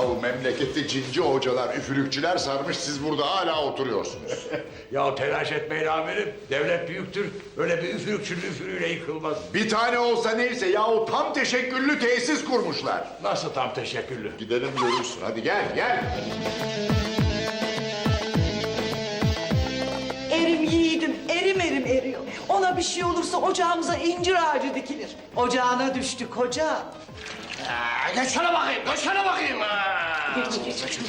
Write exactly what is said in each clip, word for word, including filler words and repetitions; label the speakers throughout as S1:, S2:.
S1: Yahu memlekette cinci hocalar, üfürükçüler sarmış, siz burada hala oturuyorsunuz.
S2: Ya telaş etmeyin amirim. Devlet büyüktür. Öyle bir üfürükçünün üfürüğüyle yıkılmaz.
S1: Bir tane olsa neyse, yahu tam teşekküllü tesis kurmuşlar.
S2: Nasıl tam teşekkürlü?
S1: Gidelim görürsün, hadi gel, gel.
S3: Erim yiğidim, erim erim eriyor. Ona bir şey olursa ocağımıza incir ağacı dikilir. Ocağına düştük hoca.
S2: Aa, geç şuna bakayım, geç şuna bakayım.
S3: Geç, geç, geç.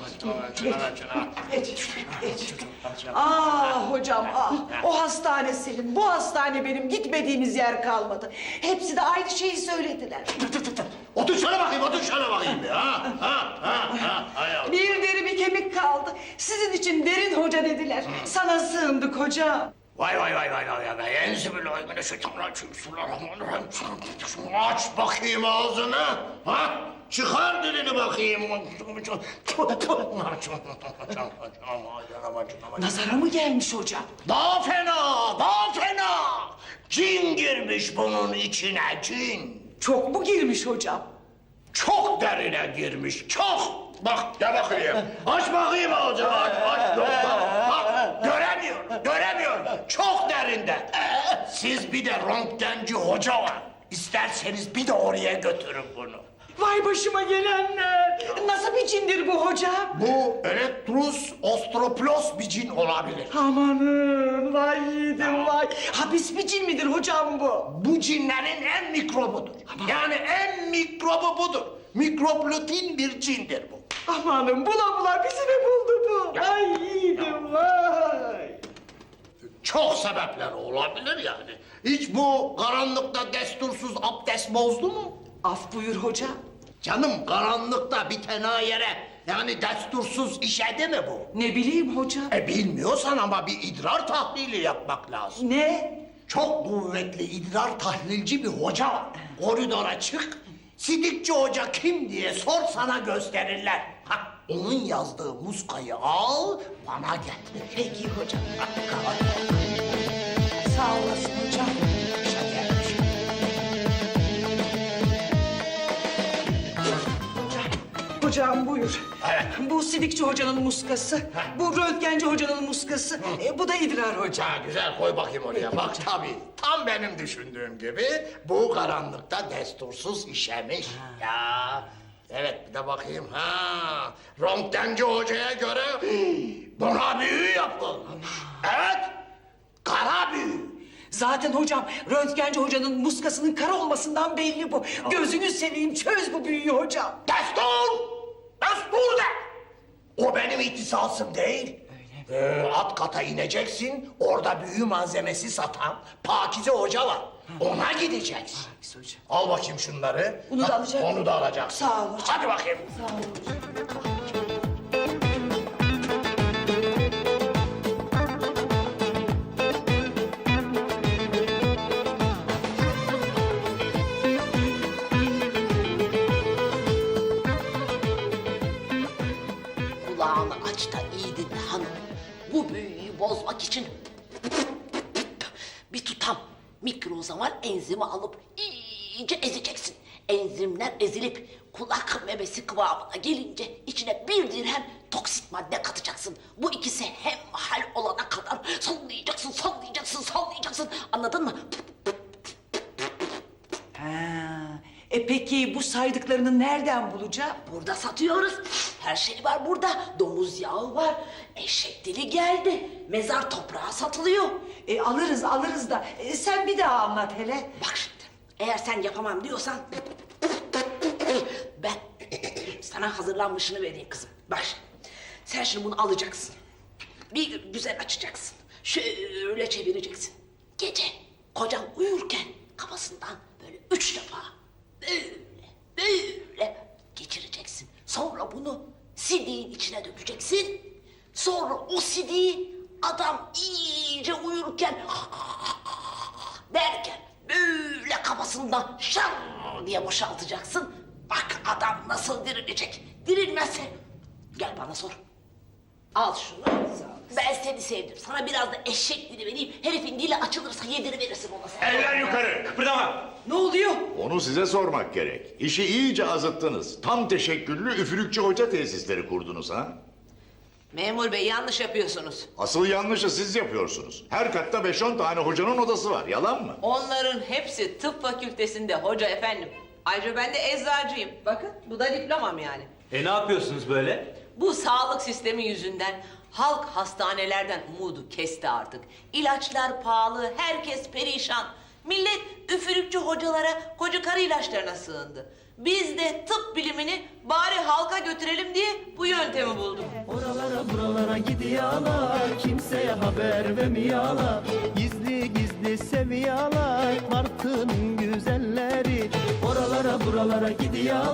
S3: Geç, geç. Ah hocam, ah. O hastane senin, bu hastane benim. Gitmediğimiz yer kalmadı. Hepsi de aynı şeyi söylediler.
S2: Otur şuna bakayım, otur şuna bakayım ya. Ha, ha, ha, ha. Hay Allah.
S3: Bir deri bir kemik kaldı. Sizin için derin hoca dediler. Sana sığındık hocam.
S2: Vay vay vay vay vay vay. Enzibillahimineşşeytanirracim. Bismillahirrahmanirrahim. Şunu aç bakayım ağzını. Ha? Çıkar dilini bakayım.
S3: Nazara mı gelmiş hocam?
S2: Daha fena, daha fena. Cin girmiş bunun içine, cin.
S3: Çok mu girmiş hocam?
S2: Çok derine girmiş, çok. Bak, gel bakayım. Aç bakayım ağzını, aç, aç. Yok, bak, bak. Göremiyor, göremiyor. Çok derinde. Siz bir de röntgenci hoca var. İsterseniz bir de oraya götürün bunu.
S3: Vay başıma gelenler. Nasıl bir cindir bu hocam?
S2: Bu Electrus ostroplos bir cin olabilir.
S3: Amanın vay yiğidim vay. Hapis bir cin midir hocam bu?
S2: Bu cinlerin en mikrobudur. Yani en mikrobu budur. Mikroplutin bir cindir bu.
S3: Amanın bula bula bizi mi buldu bu?
S2: Ya.
S3: Ay yiğidim vay.
S2: Çok sebepler olabilir yani. Hiç bu karanlıkta destursuz abdest bozdu mu?
S3: Af buyur hocam.
S2: Canım karanlıkta bir tena yere yani destursuz işedi mi bu?
S3: Ne bileyim hocam.
S2: E bilmiyorsan ama bir idrar tahlili yapmak lazım.
S3: Ne?
S2: Çok kuvvetli idrar tahlilci bir hoca var. Koridora çık, Sidikçi Hoca kim diye sor sana gösterirler. Ha, onun yazdığı muskayı al, bana getir.
S3: Peki hocam. Sağ olasın hocam. Hocam buyur.
S2: Evet.
S3: Bu Sidikçi hocanın muskası, bu röntgenci hocanın muskası, e, bu da idrar hocam.
S2: Ha, güzel koy bakayım oraya. Bak tabii tam benim düşündüğüm gibi bu karanlıkta destursuz işemiş. Ya evet bir de bakayım. Ha, röntgenci hocaya göre buna büyü yapılmış. Evet, kara büyü.
S3: Zaten hocam röntgenci hocanın muskasının kara olmasından belli bu. Gözünü seveyim çöz bu büyüyü hocam.
S2: Destur! Destur de! O benim ihtisasım değil. Ee, alt kata ineceksin, orada büyü malzemesi satan Pakize Hoca var. Ona gideceksin.
S3: Pakize Hoca.
S2: Al bakayım şunları.
S3: Bunu da
S2: Ha,
S3: alacak
S2: Onu da alacaksın.
S3: Sağ ol hocam.
S2: Hadi bakayım.
S3: Sağ ol hocam.
S4: Kulağını aç da iyi dinle hanım. Bu büyüyü bozmak için bir tutam mikrozamal enzimi alıp iyice ezeceksin. Enzimler ezilip kulak memesi kıvamına gelince içine bir dirhem toksit madde katacaksın. Bu ikisi hemhal olana kadar sallayacaksın, sallayacaksın, sallayacaksın. Anladın mı?
S3: Ha, e peki bu saydıklarını nereden bulacağım?
S4: Burada satıyoruz. Her şey var burada. Domuz yağı var. Eşek dili geldi. Mezar toprağı satılıyor.
S3: E, alırız alırız da e, sen bir daha anlat hele.
S4: Bak şimdi. Eğer sen yapamam diyorsan ben sana hazırlanmışını vereyim kızım. Bak şimdi. Sen şimdi bunu alacaksın. Bir güzel açacaksın. Şöyle çevireceksin. Gece kocan uyurken kafasından böyle üç defa böyle böyle geçireceksin. Sonra bunu sidiğin içine dökeceksin. Sonra o sidiği adam iyice uyurken derken böyle kafasından şar diye boşaltacaksın. Bak adam nasıl dirilecek. Dirilmezse gel bana sor. Al şunu. Sağ ol. Ben seni sevdim. Sana biraz da eşek dili vereyim. Herifin dili açılırsa yediriverirsin ona sen.
S5: Eller yukarı, kıpırdama.
S3: Ne oluyor?
S1: Onu size sormak gerek. İşi iyice azıttınız. Tam teşekküllü üfürükçü hoca tesisleri kurdunuz ha?
S4: Memur bey yanlış yapıyorsunuz.
S1: Asıl yanlışı siz yapıyorsunuz. Her katta beş on tane hocanın odası var. Yalan mı?
S6: Onların hepsi tıp fakültesinde hoca efendim. Ayrıca ben de eczacıyım. Bakın bu da diplomam yani.
S5: E ne yapıyorsunuz böyle?
S6: Bu sağlık sistemi yüzünden halk hastanelerden umudu kesti artık. İlaçlar pahalı, herkes perişan. Millet üfürükçü hocalara, koca karı ilaçlarına sığındı. Biz de tıp bilimini bari halka götürelim diye bu yöntemi bulduk.
S7: Oralara buralara gidiyorlar, kimseye haber vermiyorlar. Gizli gizli seviyorlar, Martı'nın güzelleri. Oralara buralara gidiyorlar.